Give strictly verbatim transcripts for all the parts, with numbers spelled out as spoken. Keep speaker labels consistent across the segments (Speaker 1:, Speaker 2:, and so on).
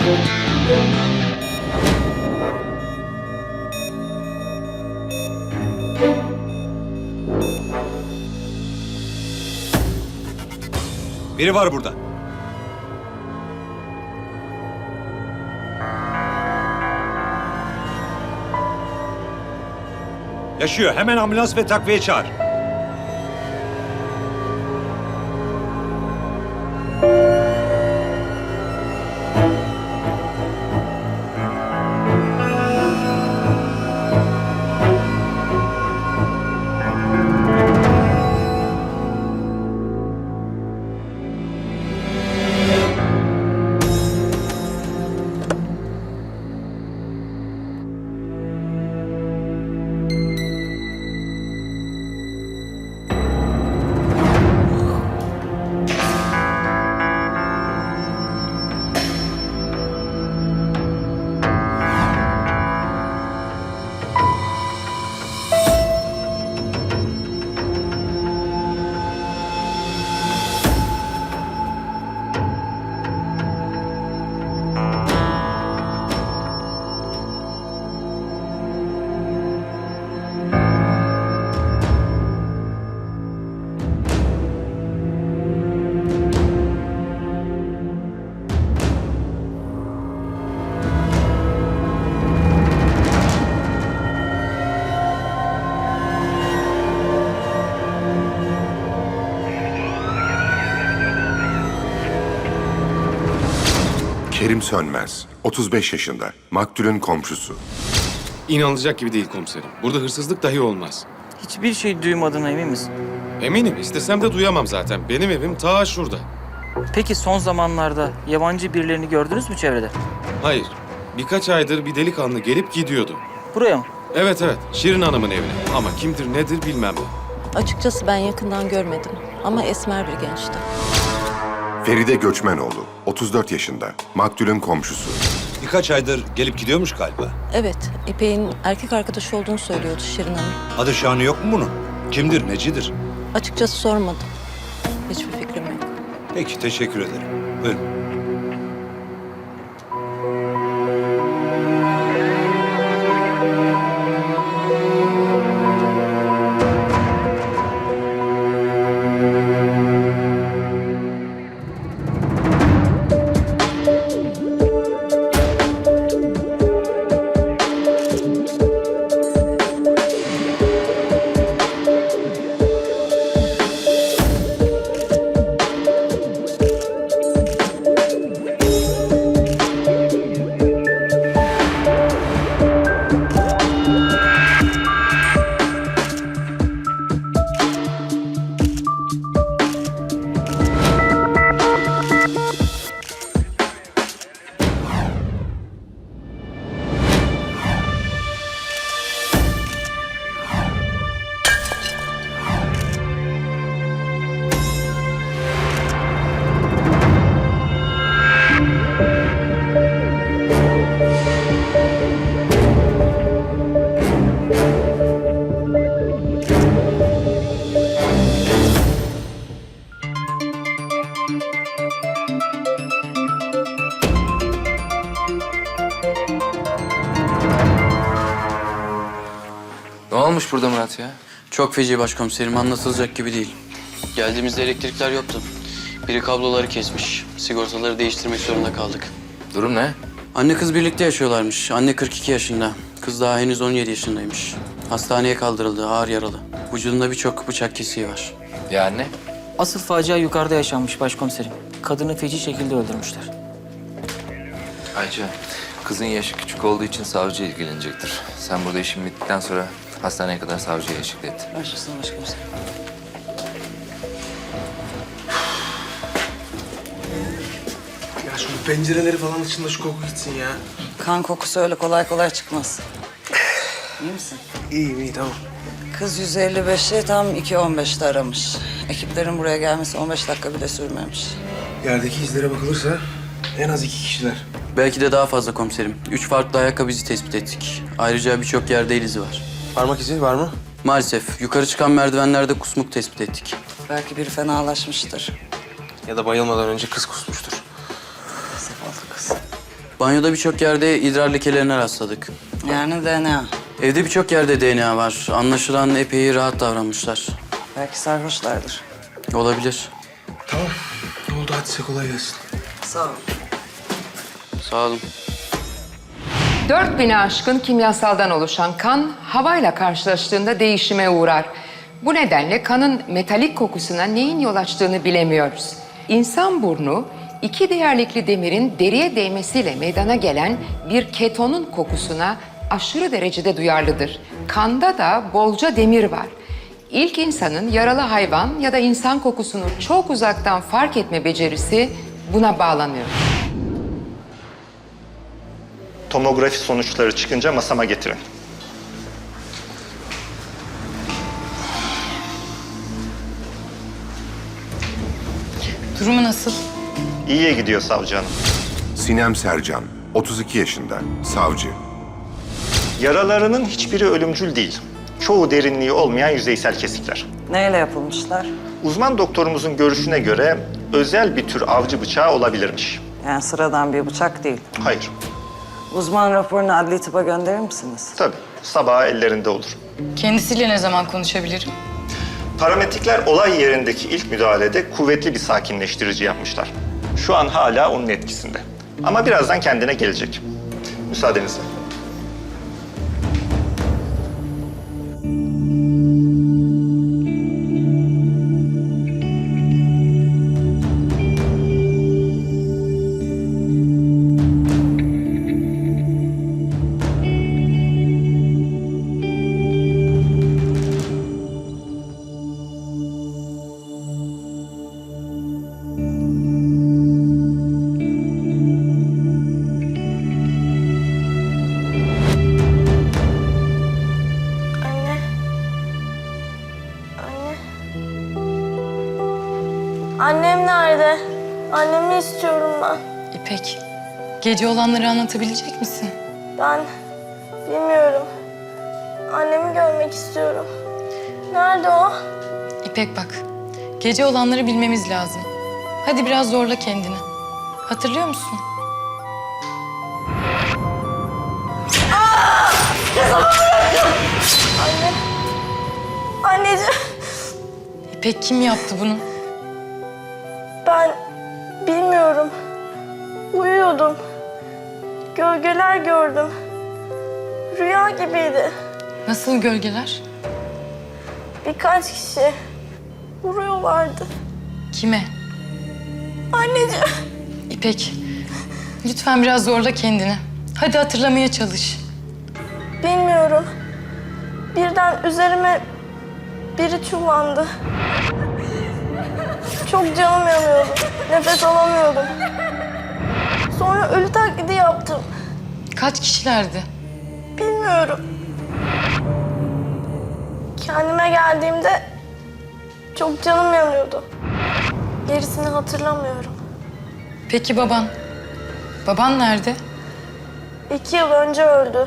Speaker 1: Biri var burada. Yaşıyor. Hemen ambulans ve takviye çağır.
Speaker 2: Kerim Sönmez, otuz beş yaşında, maktulün komşusu.
Speaker 3: İnanılacak gibi değil komiserim. Burada hırsızlık dahi olmaz.
Speaker 4: Hiçbir şey duymadığına emin misin?
Speaker 3: Eminim. İstesem de duyamam zaten. Benim evim ta şurada.
Speaker 4: Peki son zamanlarda yabancı birilerini gördünüz mü çevrede?
Speaker 3: Hayır. Birkaç aydır bir delikanlı gelip gidiyordu.
Speaker 4: Buraya mı?
Speaker 3: Evet evet. Şirin Hanım'ın evine. Ama kimdir nedir bilmem ben.
Speaker 5: Açıkçası ben yakından görmedim ama esmer bir gençti.
Speaker 2: Feride Göçmenoğlu, otuz dört yaşında, maktulün komşusu.
Speaker 1: Birkaç aydır gelip gidiyormuş galiba.
Speaker 5: Evet, İpek'in erkek arkadaşı olduğunu söylüyordu Şirin Hanım.
Speaker 1: Adı şanı yok mu bunun? Kimdir, necidir?
Speaker 5: Açıkçası sormadım. Hiçbir fikrim yok.
Speaker 1: Peki, teşekkür ederim. Buyurun.
Speaker 6: Ne olmuş burada Murat ya?
Speaker 7: Çok feci başkomiserim, anlatılacak gibi değil. Geldiğimizde elektrikler yoktu. Biri kabloları kesmiş. Sigortaları değiştirmek zorunda kaldık.
Speaker 6: Durum ne?
Speaker 7: Anne kız birlikte yaşıyorlarmış. Anne kırk iki yaşında. Kız daha henüz on yedi yaşındaymış. Hastaneye kaldırıldı, ağır yaralı. Vücudunda birçok bıçak kesiği var.
Speaker 6: Ya anne?
Speaker 4: Asıl facia yukarıda yaşanmış başkomiserim. Kadını feci şekilde öldürmüşler.
Speaker 6: Ayça, kızın yaşı küçük olduğu için savcı ilgilenecektir. Sen burada işin bittikten sonra hastaneye kadar savcıya eşlik et.
Speaker 4: Başlasın başkomiserim.
Speaker 8: Ya şu pencereleri falan açın şu koku gitsin ya.
Speaker 9: Kan kokusu öyle kolay kolay çıkmaz. İyi misin?
Speaker 8: İyiyim iyi tamam.
Speaker 9: Kız yüz elli beşi tam iki on beşte aramış. Ekiplerin buraya gelmesi on beş dakika bile sürmemiş.
Speaker 8: Yerdeki izlere bakılırsa en az iki kişiler.
Speaker 7: Belki de daha fazla komiserim. Üç farklı ayakkabı izi tespit ettik. Ayrıca birçok yerde el izi var.
Speaker 8: Parmak izi var mı?
Speaker 7: Maalesef yukarı çıkan merdivenlerde kusmuk tespit ettik.
Speaker 9: Belki biri fenalaşmıştır.
Speaker 8: Ya da bayılmadan önce kız kusmuştur.
Speaker 9: Zavallı kız.
Speaker 7: Banyoda birçok yerde idrar lekelerine rastladık.
Speaker 9: Yani D N A.
Speaker 7: Evde birçok yerde D N A var. Anlaşılan epey rahat davranmışlar.
Speaker 9: Belki sarhoşlardır.
Speaker 7: Olabilir.
Speaker 8: Tamam. Ne oldu hadi size kolay gelsin.
Speaker 9: Sağ ol.
Speaker 7: Sağ olun.
Speaker 10: dört bine aşkın kimyasaldan oluşan kan havayla karşılaştığında değişime uğrar. Bu nedenle kanın metalik kokusuna neyin yol açtığını bilemiyoruz. İnsan burnu iki değerlikli demirin deriye değmesiyle meydana gelen bir ketonun kokusuna aşırı derecede duyarlıdır. Kanda da bolca demir var. İlk insanın yaralı hayvan ya da insan kokusunu çok uzaktan fark etme becerisi buna bağlanıyor.
Speaker 11: Tomografi sonuçları çıkınca masama getirin.
Speaker 12: Durumu nasıl?
Speaker 11: İyiye gidiyor savcı hanım.
Speaker 2: Sinem Sercan, otuz iki yaşında, savcı.
Speaker 11: Yaralarının hiçbiri ölümcül değil. Çoğu derinliği olmayan yüzeysel kesikler.
Speaker 9: Neyle yapılmışlar?
Speaker 11: Uzman doktorumuzun görüşüne göre özel bir tür avcı bıçağı olabilirmiş.
Speaker 9: Yani sıradan bir bıçak değil.
Speaker 11: Hayır.
Speaker 9: Uzman raporunu adli tıpa gönderir misiniz?
Speaker 11: Tabii. Sabaha ellerinde olur.
Speaker 12: Kendisiyle ne zaman konuşabilirim?
Speaker 11: Parametrikler olay yerindeki ilk müdahalede kuvvetli bir sakinleştirici yapmışlar. Şu an hala onun etkisinde. Ama birazdan kendine gelecek. Müsaadenizle.
Speaker 13: Annem nerede? Annemi istiyorum ben.
Speaker 12: İpek, gece olanları anlatabilecek misin?
Speaker 13: Ben bilmiyorum. Annemi görmek istiyorum. Nerede o?
Speaker 12: İpek bak, gece olanları bilmemiz lazım. Hadi biraz zorla kendini. Hatırlıyor musun?
Speaker 13: Anne. Anneciğim.
Speaker 12: İpek kim yaptı bunu?
Speaker 13: Ben bilmiyorum. Uyuyordum. Gölgeler gördüm. Rüya gibiydi.
Speaker 12: Nasıl gölgeler?
Speaker 13: Birkaç kişi vuruyorlardı.
Speaker 12: Kime?
Speaker 13: Anneciğim.
Speaker 12: İpek, lütfen biraz zorla kendini. Hadi hatırlamaya çalış.
Speaker 13: Bilmiyorum. Birden üzerime biri çullandı. Çok canım yanıyordu. Nefes alamıyordum. Sonra ölü taklidi yaptım.
Speaker 12: Kaç kişilerdi?
Speaker 13: Bilmiyorum. Kendime geldiğimde çok canım yanıyordu. Gerisini hatırlamıyorum.
Speaker 12: Peki baban? Baban nerede?
Speaker 13: İki yıl önce öldü.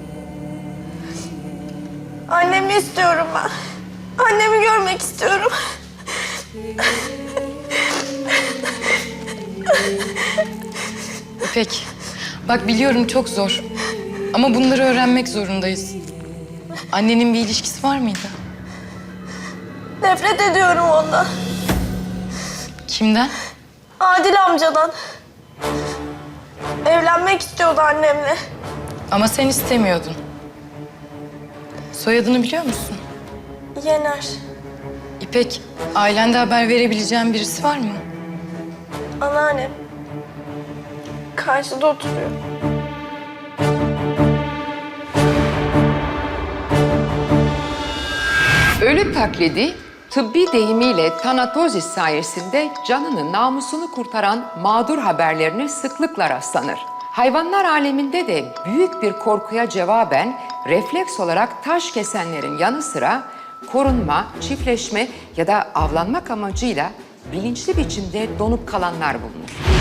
Speaker 13: Annemi istiyorum ben. Annemi görmek istiyorum.
Speaker 12: İpek, bak biliyorum çok zor. Ama bunları öğrenmek zorundayız. Annenin bir ilişkisi var mıydı?
Speaker 13: Nefret ediyorum ondan.
Speaker 12: Kimden?
Speaker 13: Adil amcadan. Evlenmek istiyordu annemle.
Speaker 12: Ama sen istemiyordun. Soyadını biliyor musun?
Speaker 13: Yener.
Speaker 12: İpek, ailende haber verebileceğin birisi var mı?
Speaker 13: Anneannem. Karşıda oturuyor.
Speaker 10: Ölü taklidi, tıbbi deyimiyle tanatozis sayesinde canını, namusunu kurtaran mağdur haberlerine sıklıkla rastlanır. Hayvanlar aleminde de büyük bir korkuya cevaben refleks olarak taş kesenlerin yanı sıra korunma, çiftleşme ya da avlanmak amacıyla bilinçli biçimde donup kalanlar bulunur.